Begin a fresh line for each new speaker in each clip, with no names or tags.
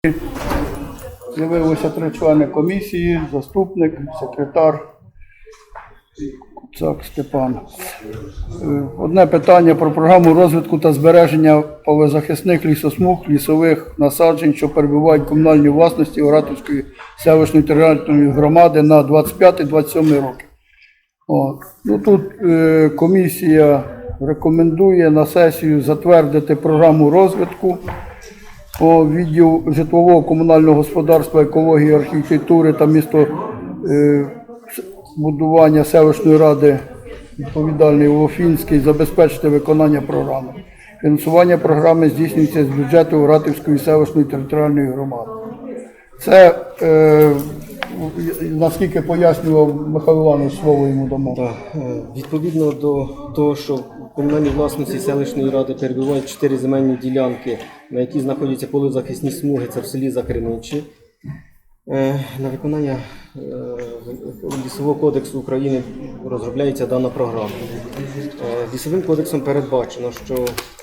З'явилося 3 члени комісії, заступник, секретар Куцак Степан. Одне питання про програму розвитку та збереження полезахисних лісосмуг, лісових насаджень, що перебувають в комунальній власності Оратівської селищної територіальної громади на 25-27 роки. Тут комісія рекомендує на сесію затвердити програму розвитку по відділу житлового комунального господарства, екології, архітектури та містобудування селищної ради відповідальний Лофінський забезпечити виконання програми. Фінансування програми здійснюється з бюджету Оратівської селищної територіальної громади. Це, наскільки пояснював Михайло Іванович, слово йому дамо.
Так, відповідно до того, що в комунальній власності селищної ради перебувають 4 земельні ділянки, на які знаходяться полезахисні смуги, це в селі Закриничі. На виконання Лісового кодексу України розробляється дана програма. Лісовим кодексом передбачено, що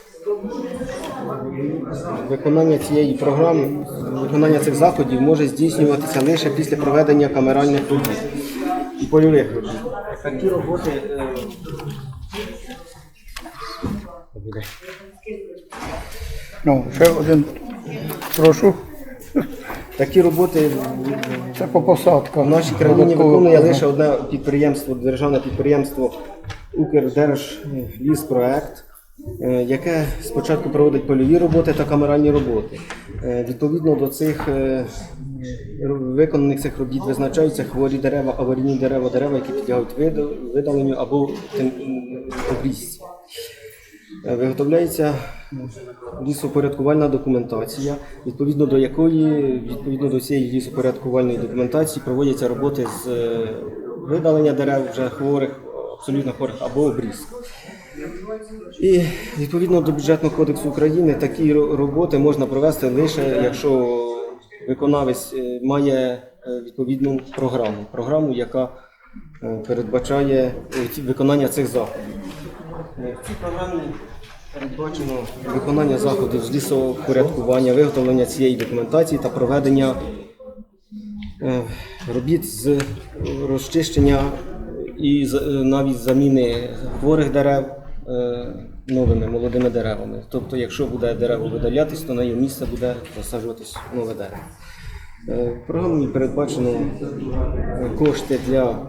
виконання цієї програми, виконання цих заходів може здійснюватися лише після проведення камеральних робіт і польових робіт. Такі роботи
Ще один, прошу.
Такі роботи
Це по посадках.
в нашій країні виконує лише одне підприємство, державне підприємство Укрдержліспроект, яке спочатку проводить польові роботи та камеральні роботи. Відповідно до цих виконаних цих робіт визначаються хворі дерева, аварійні дерева, дерева, які підлягають видаленню або обрізці. Виготовляється лісопорядкувальна документація, відповідно до якої, відповідно до цієї лісопорядкувальної документації проводяться роботи з видалення дерев вже хворих, абсолютно хворих або обрізки. І відповідно до Бюджетного кодексу України такі роботи можна провести лише, якщо виконавець має відповідну програму, яка передбачає виконання цих заходів. В цій програмі передбачено виконання заходів з лісопорядкування, виготовлення цієї документації та проведення робіт з розчищення і навіть заміни хворих дерев новими молодими деревами. Тобто, якщо буде дерево видалятись, то на його місце буде засаджуватись нове дерево. В програмі передбачено кошти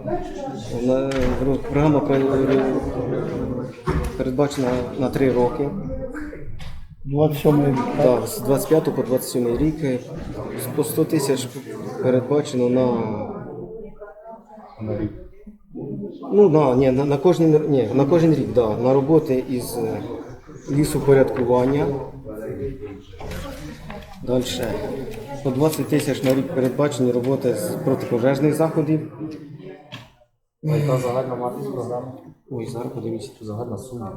програма передбачена на 3 роки.
27 рік.
Так, з 25 по 27 рік. По 100 тисяч передбачено на рік. На кожен рік, на роботи із лісопорядкування. Далі. По 20 тисяч на рік передбачені роботи з протипожежних заходів.
Яка загальна вартість програми?
Ой, зараз подивіться, тут загальна сума.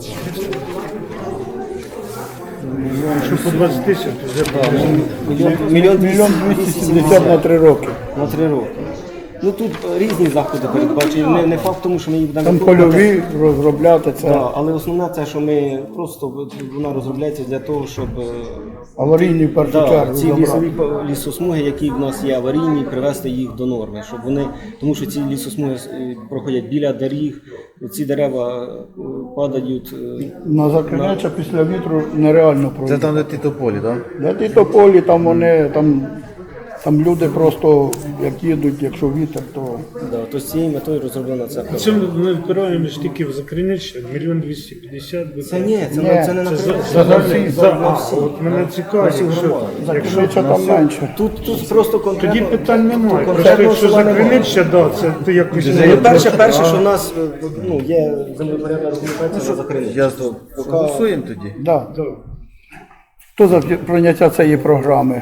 Що по 20 тисяч?
Мільйон
270 на 3 роки.
На 3 роки. Тут різні заходи передбачені. Не факт тому, що ми їх будемо
Там польові розробляти це.
Так, але основне це, що ми просто, вона розробляється для того, щоб
Аварійні в першу чергу.
ці лісові лісосмуги, які в нас є аварійні, привести їх до норми, щоб вони, тому що ці лісосмуги проходять біля доріг, ці дерева падають.
На Закринича після вітру нереально пройти.
Це там, де ті тополі, так?
Де ті тополі, там вони, там люди просто, як їдуть, якщо вітер, то...
То з цією метою розроблена ця програма.
Це ми впираємо ж тільки в Закриниччя, 1 250 000.
Це не на
От мене цікавить, що
Закринича там менше.
Тут просто конкретно...
тоді питань немає. Просто
конкретно
якщо
слова немає.
Закриниччя, це ти якось...
Перше, що в нас є землепорядна документація на Закриниччя.
Голосуємо тоді.
Да. Хто за прийняття цієї програми?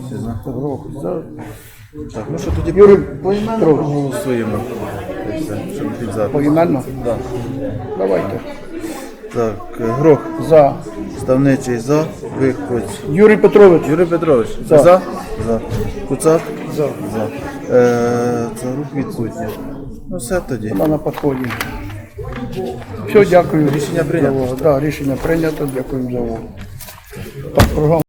Так, ну що тоді
Юрій
поіменно голосуємо. Щоб під запис.
Поіменно?
Так.
Давайте.
Так, Грох,
За.
Ставничий за, Вихоць.
Юрій Петрович.
Юрій Петрович,
За.
за? За. Куцак?
За.
За. Це рух відсутня. Ну все тоді.
Вона на підході. Все, дякую.
Рішення прийнято.
Так, рішення прийнято. Дякую за увагу. Так, програма.